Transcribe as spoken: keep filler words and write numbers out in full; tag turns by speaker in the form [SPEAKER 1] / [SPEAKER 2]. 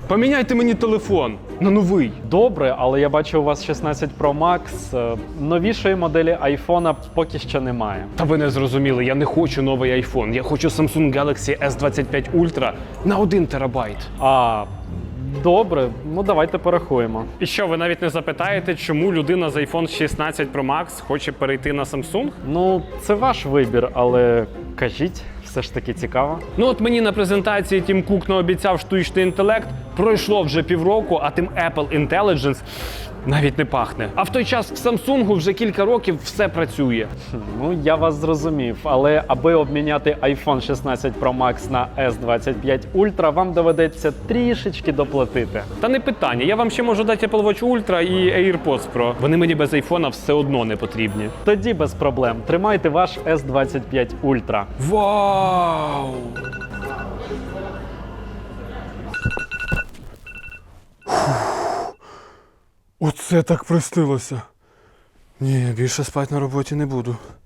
[SPEAKER 1] Поміняйте мені телефон на новий.
[SPEAKER 2] Добре, але я бачу, у вас шістнадцять Pro Max. Е, Новішої моделі айфона поки що немає.
[SPEAKER 1] Та ви не зрозуміли, я не хочу новий айфон. Я хочу Samsung Galaxy ес двадцять п'ять Ultra на один терабайт.
[SPEAKER 2] А, добре, ну давайте порахуємо.
[SPEAKER 1] І що, ви навіть не запитаєте, чому людина з iPhone шістнадцять Pro Max хоче перейти на Samsung?
[SPEAKER 2] Ну, це ваш вибір, але кажіть, все ж таки цікаво.
[SPEAKER 1] Ну от мені на презентації Тім Кук наобіцяв штучний інтелект, пройшло вже півроку, а тим Apple Intelligence навіть не пахне. А в той час в Samsung вже кілька років все працює.
[SPEAKER 2] Ну, я вас зрозумів, але аби обміняти iPhone шістнадцять Pro Max на ес двадцять п'ять Ultra, вам доведеться трішечки доплатити.
[SPEAKER 1] Та не питання, я вам ще можу дати Apple Watch Ultra і AirPods Pro. Вони мені без айфона все одно не потрібні.
[SPEAKER 2] Тоді без проблем. Тримайте ваш ес двадцять п'ять Ultra.
[SPEAKER 1] Вау! Оце так простилося. Ні, більше спати на роботі не буду.